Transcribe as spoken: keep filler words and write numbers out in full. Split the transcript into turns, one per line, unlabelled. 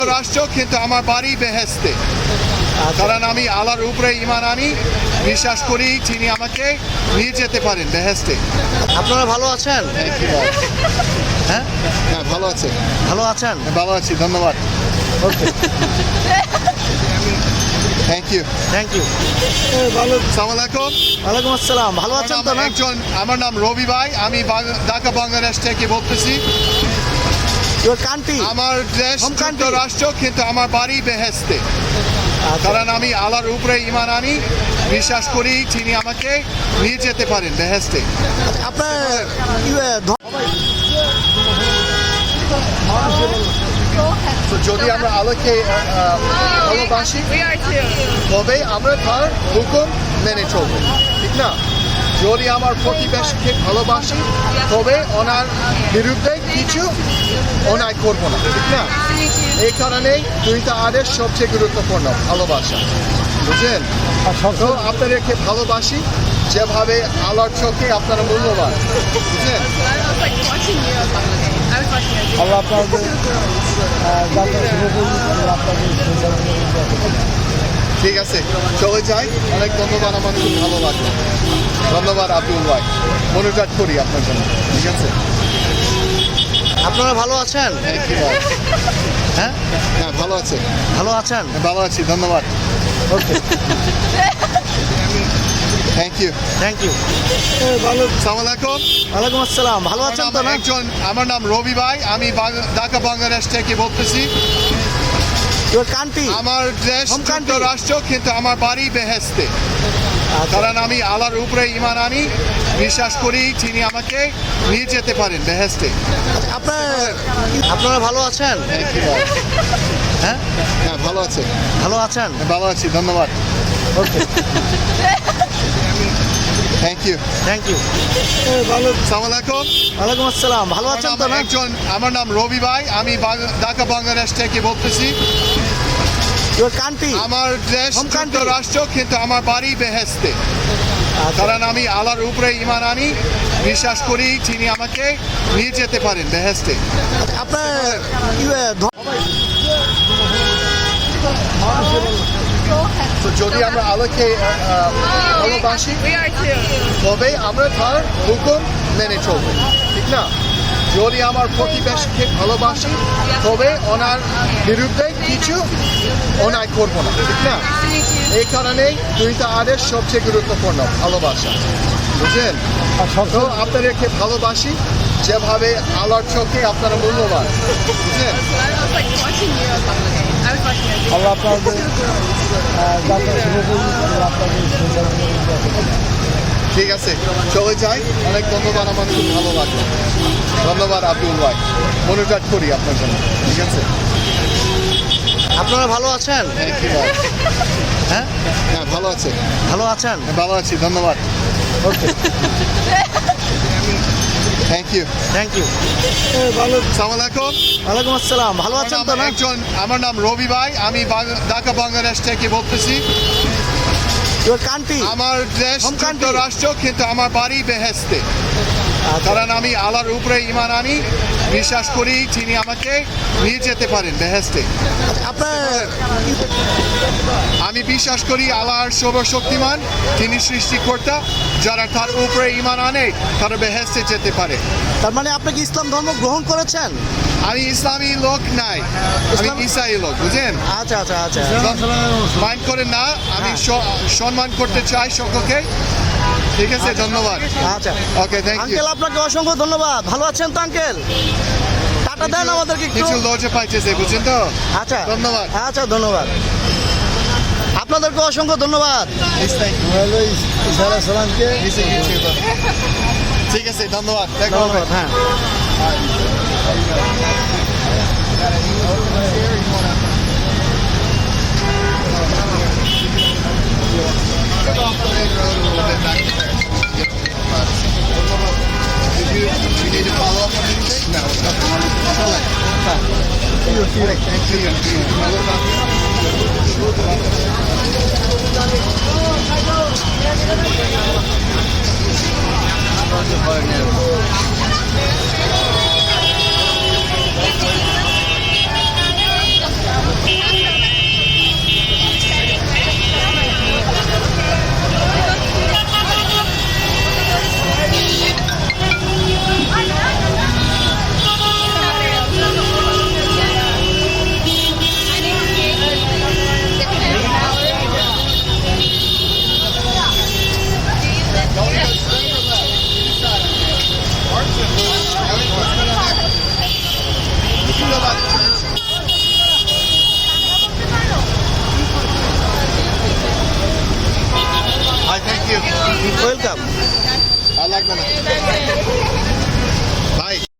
রাষ্ট্র কিন্তু আমার বাড়ি বেহেশতে, কারণ আমি আল্লাহর উপরে ঈমান আনি, বিশ্বাস করি তিনি আমাকে নিয়ে যেতে পারেন বেহেশতে।
আপনারা ভালো আছেন? হ্যাঁ
হ্যাঁ ভালো আছে,
ভালো আছেন?
ভালো আছি, ধন্যবাদ।
Okay,
thank you
thank you.
ভালো, আসসালামু আলাইকুম।
ওয়ালাইকুম আসসালাম। ভালো আছেন তো না?
একজন, আমার নাম রবি ভাই, আমি বাং- ঢাকা বাংলাদেশ থেকে বলতেছি।
Your country?
আমার দেশ
Home country?
রাষ্ট্র কিন্তু আমার বাড়ি বেহেশতে, কারণ আমি আল্লাহর উপরে ঈমান আনি, বিশ্বাস করি তিনি আমাকে নিয়ে যেতে পারেন বেহেশতে।
আপনার ইউ- ধ-
তো যদি আমরা আলোকে আহ, ভালোবাসি
We are too.
তবে আমরা তার হুকুম মেনে চলবো, ঠিক না? যদি আমার প্রতিবেশীকে ভালোবাসি তবে ওনার বিরুদ্ধে কিছু অন্যায় করবো না, ঠিক না? এই কারণেই দুইটা আদেশ সবচেয়ে গুরুত্বপূর্ণ, ভালোবাসা, বুঝলেন? তো আপনাদেরকে ভালোবাসি যেভাবে আল্লাহর চোখে আপনারা মূল্যবান, বুঝলেন?
I was like watching you. I was watching you.
আল্লাহ আপনাদের আহ, যাত্রা শুভ করুন। আল্লাহ আপনাদের সুন্দর করে
ঠিক আছে, চলে যাই। অনেক ধন্যবাদ, আমার খুব ভালো লাগলো। ধন্যবাদ আব্দুল ভাই, মনোযোগ করি আপনার জন্য, ঠিক আছে?
আপনারা ভালো আছেন?
থ্যাংক ইউ ভাই।
হ্যাঁ
হ্যাঁ ভালো আছে,
ভালো আছেন?
ভালো আছি, ধন্যবাদ।
Okay,
thank you
thank you.
ভালো, আসসালামু আলাইকুম।
ওয়ালাইকুম আসসালাম। ভালো আছেন তো না?
একজন, আমার নাম রবি ভাই, আমি বাং- ঢাকা বাংলাদেশ থেকে বলতেছি।
Your country?
আমার দেশ
Home country?
রাষ্ট্র কিন্তু আমার বাড়ি বেহেশতে, কারণ আমি আল্লাহর উপরে ঈমান আনি, বিশ্বাস করি তিনি আমাকে নিয়ে যেতে পারেন বেহেশতে।
আপনার আপনারা ভালো আছেন?
থ্যাংক ইউ ভাই।
হ্যাঁ
হ্যাঁ ভালো আছে,
ভালো আছেন?
ভালো আছি, ধন্যবাদ।
Okay,
thank you
thank you.
ভালো, আসসালামু আলাইকুম।
ওয়ালাইকুম আসসালাম। ভালো আছেন তো না?
একজন, আমার নাম রবি ভাই, আমি বাং- ঢাকা বাংলাদেশ থেকে বলতেছি।
Your country?
আমার দেশ
Home country?
রাষ্ট্র কিন্তু আমার বাড়ি বেহেশতে, কারণ আমি আল্লাহর উপরে ঈমান আনি, বিশ্বাস করি তিনি আমাকে নিয়ে যেতে পারেন বেহেশতে।
আপনার ইউ- ধ-
তো যদি আমরা আলোকে আহ, ভালোবাসি
We are too.
তবে আমরা তার হুকুম মেনে চলবো, ঠিক না? যদি আমার প্রতিবেশীকে ভালোবাসি তবে ওনার বিরুদ্ধে কিছু অন্যায় করবো না, ঠিক না? এই কারণেই দুইটা আদেশ সবচেয়ে গুরুত্বপূর্ণ, ভালোবাসা, বুঝলেন? তো আপনাদেরকে ভালোবাসি যেভাবে আল্লাহর চোখে আপনারা মূল্যবান, বুঝলেন?
I was like watching you. I was watching you.
আল্লাহ আপনাদের আহ, যাত্রা শুভ করুন। আল্লাহ আপনাদের সুন্দর করে
ঠিক আছে, চলে যাই। অনেক ধন্যবাদ, আমার খুব ভালো লাগলো। ধন্যবাদ আব্দুল ভাই, মনোযোগ করি আপনার জন্য, ঠিক আছে?
আপনারা ভালো আছেন?
থ্যাংক ইউ ভাই।
হ্যাঁ
হ্যাঁ ভালো আছে,
ভালো আছেন?
ভালো আছি, ধন্যবাদ।
Okay,
thank you
thank you.
ভালো, আসসালামু আলাইকুম।
ওয়ালাইকুম আসসালাম। ভালো আছেন তো না?
একজন, আমার নাম রবি ভাই, আমি বাং- ঢাকা বাংলাদেশ থেকে বলতেছি।
Your country?
আমার দেশ
Home country?
রাষ্ট্র কিন্তু আমার বাড়ি বেহেশতে, কারণ আমি আল্লাহর উপরে ঈমান আনি, বিশ্বাস করি তিনি আমাকে নিয়ে যেতে পারেন বেহেশতে।
আপনার
আমি বিশ্বাস করি আল্লাহর সর্বশক্তিমান, তিনি সৃষ্টিকর্তা, যারা তার উপরে ঈমান আনে তারা বেহেশতে যেতে পারে।
তার মানে আপনি কি ইসলাম ধর্ম গ্রহণ করেছেন?
আমি ইসলামী লোক নাই, আমি
ইসলাম-
ইসাই লোক, বুঝলেন?
আচ্ছা আচ্ছা আচ্ছা।
মাইন্ড করেন না, আমি
হ্যাঁ।
স- সম্মান করতে চাই সকলকে, ঠিক আছে? ধন্যবাদ।
আচ্ছা
ওকে, থ্যাংক ইউ।
আঙ্কেল, আপনাকে অসংখ্য ধন্যবাদ। ভালো আছেন তো আঙ্কেল? টাটা দেন আমাদেরকে একটু।
কিছু লজে পাইতেছে, বুঝছেন তো?
আচ্ছা
ধন্যবাদ।
আচ্ছা, ধন্যবাদ। আপনাদেরকে অসংখ্য ধন্যবাদ।
ঠিক আছে, ধন্যবাদ, দেখা হবে।
ধন্যবাদ, হ্যাঁ।
Did you, you need to follow up on anything? No. Thank you. লাগবে না